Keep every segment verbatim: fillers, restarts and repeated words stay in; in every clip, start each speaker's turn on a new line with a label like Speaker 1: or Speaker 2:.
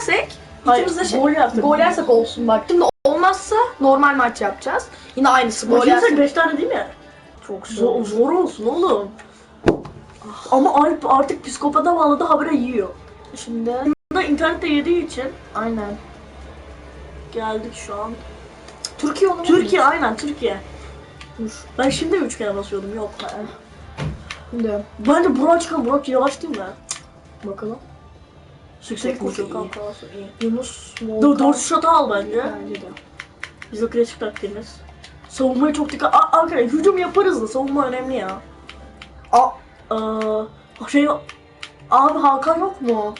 Speaker 1: yersek
Speaker 2: Hayır,
Speaker 1: ikimiz de şey,
Speaker 2: gol yersek.
Speaker 1: gol yersek olsun bak. Şimdi olmazsa normal maç yapacağız. Yine aynısı. Gol
Speaker 2: Gol yersek
Speaker 1: yersek
Speaker 2: beş tane değil mi?
Speaker 1: çok
Speaker 2: Zor, zor olsun oğlum. Ama Alp artık psikopata bağladı, habire yiyor.
Speaker 1: Şimdi
Speaker 2: Bunda internette yediği için
Speaker 1: aynen.
Speaker 2: geldik şu an.
Speaker 1: Türkiye onu
Speaker 2: Türkiye aynen Türkiye.
Speaker 1: Dur.
Speaker 2: Ben şimdi mi üç kere basıyordum? Yok.
Speaker 1: Şimdi
Speaker 2: Bence Burak çıkan Burak yavaş değil mi?
Speaker 1: bakalım.
Speaker 2: Yüksek
Speaker 1: koşu
Speaker 2: koşu
Speaker 1: iyi.
Speaker 2: kanka olsun iyi.
Speaker 1: Yunus
Speaker 2: Dur
Speaker 1: Volkan.
Speaker 2: doğru şata al bence.
Speaker 1: Bence de.
Speaker 2: Bizim klasik taktiğimiz. Savunmaya çok dikkat. Aa, arkadaşlar hücum yaparız da savunma önemli ya.
Speaker 1: Aa,
Speaker 2: Ee, şey abi Hakan yok mu?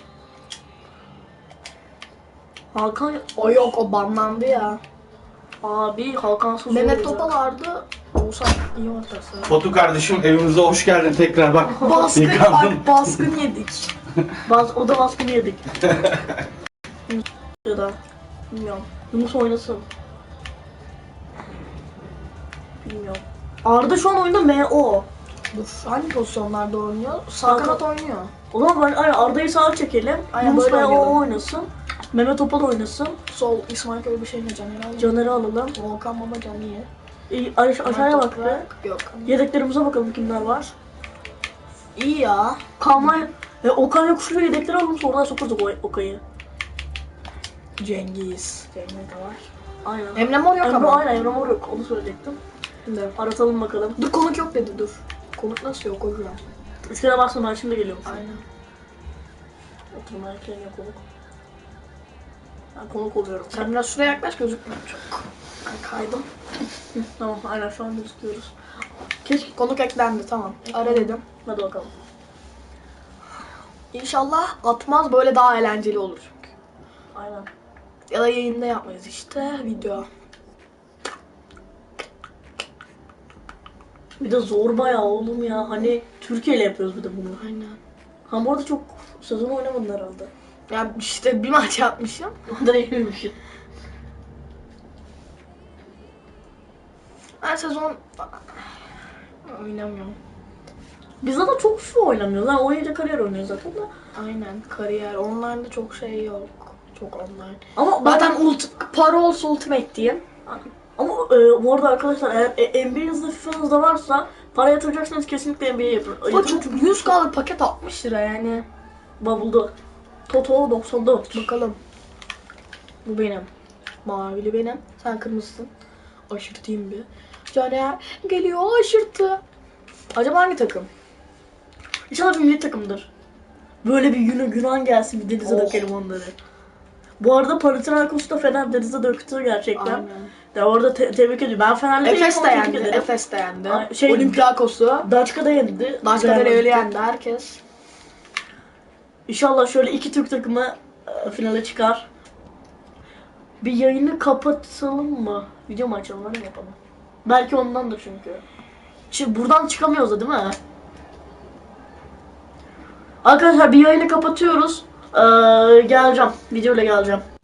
Speaker 2: Hakan
Speaker 1: o yok, o banlandı ya.
Speaker 2: abi Hakan'sız
Speaker 1: Mehmet
Speaker 2: olur ya.
Speaker 1: Topal vardı. Oğuzhan iyi ortası.
Speaker 3: Batu kardeşim evimize hoş geldin tekrar bak.
Speaker 1: Baskın,
Speaker 3: Yıkandın.
Speaker 1: bak baskın yedik.
Speaker 2: Bas, o da baskını yedik. Ya da bilmiyorum. Yunus oynasın. Bilmiyorum. Arda şu an oyunda M O.
Speaker 1: Dur, hangi pozisyonlarda oynuyor? Sağ
Speaker 2: Sağ
Speaker 1: kanat
Speaker 2: kanat.
Speaker 1: oynuyor.
Speaker 2: O zaman ben aynen Arda'yı sağa çekelim.
Speaker 1: Aynen,
Speaker 2: Yunus
Speaker 1: böyle
Speaker 2: M O
Speaker 1: oynayalım.
Speaker 2: oynasın. Mehmet Topal oynasın.
Speaker 1: Sol İsmail Köy bir şey mi Caner alalım.
Speaker 2: Caner'i alalım.
Speaker 1: Volkan Baba Can iyi.
Speaker 2: İyi, aş- aşağıya bak be.
Speaker 1: Toprak, Yok.
Speaker 2: Yedeklerimize bakalım kimler var.
Speaker 1: İyi ya.
Speaker 2: Kalmay e, Okan Yokuşlu'yu yedekleri alalım sonra sokuruz o Okay'ı.
Speaker 1: Cengiz. Cengiz de var.
Speaker 2: Aynen.
Speaker 1: Emre Mor yok
Speaker 2: Emre,
Speaker 1: ama.
Speaker 2: aynen Emre Mor yok onu söyleyecektim.
Speaker 1: Şimdi.
Speaker 2: Aratalım bakalım.
Speaker 1: Dur, konuk yok dedi, dur. Konuk nasıl yok hocam?
Speaker 2: Üstüne baksana ben şimdi geliyorum.
Speaker 1: Aynen.
Speaker 2: Oturma erkeğine konuk. Ben konuk oluyorum.
Speaker 1: Sen biraz şuraya yaklaş, gözükmüyor çok. Ben kaydım.
Speaker 2: Hı, tamam aynen şu an gözüküyoruz. Keşke
Speaker 1: Konuk eklendi, tamam. Ara dedim.
Speaker 2: hadi bakalım.
Speaker 1: İnşallah atmaz, böyle daha eğlenceli olur çünkü.
Speaker 2: Aynen.
Speaker 1: Ya da yayında yapmayız işte, video.
Speaker 2: Bir de zor bayağı oğlum ya. Hani Türkiye ile yapıyoruz bir de bunu.
Speaker 1: Aynen.
Speaker 2: Ha bu arada çok sezon oynamadın herhalde.
Speaker 1: Ya işte bir maç yapmışım.
Speaker 2: Ondan eğlenmişsin.
Speaker 1: Ben sezon oynamıyorum.
Speaker 2: Biz zaten çok şu oynamıyoruz. Ha oynayınca kariyer oynuyoruz zaten da.
Speaker 1: Aynen, kariyer. Online'da çok şey yok. Çok online.
Speaker 2: Ama
Speaker 1: Zaten ult para olsa ultimate diyeyim.
Speaker 2: Ama e, bu arada arkadaşlar eğer e, N B A'nızda FIFA'nızda varsa para yatıracaksanız kesinlikle N B A yapın.
Speaker 1: Bu
Speaker 2: Yatırın
Speaker 1: çok yüz K'lık paket altmış lira yani.
Speaker 2: Bubble'da. Toto doksan dört.
Speaker 1: Bakalım. Bu benim. Mavili benim. Sen kırmızısın. Aşırtayım bir. Caner geliyor, aşırtı. Acaba hangi takım?
Speaker 2: İnşallah bir milli takımdır. Böyle bir Yunan, Yunan gelsin bir denize
Speaker 1: Oh.
Speaker 2: dökelim onları. Bu arada Panathinaikos da Fener denize döktü gerçekten.
Speaker 1: Aynen.
Speaker 2: Ya orada te- tebrik ediyorum. Ben Fenerli değilim
Speaker 1: Efes de
Speaker 2: ama tebrik
Speaker 1: yendi.
Speaker 2: ederim.
Speaker 1: Efes de yendi.
Speaker 2: Ay, şey-
Speaker 1: Olympiakos'u.
Speaker 2: Daçka'da yendi.
Speaker 1: Başka
Speaker 2: Güzel
Speaker 1: öyle
Speaker 2: maçtı.
Speaker 1: yendi herkes.
Speaker 2: İnşallah şöyle iki Türk takımı e, finale çıkar. Bir yayını kapatalım mı? Video mu açalım, öyle mi yapalım? Belki ondandır çünkü. Şimdi buradan çıkamıyoruz da değil mi? Arkadaşlar bir yayını kapatıyoruz. Ee, geleceğim. Videoyla geleceğim.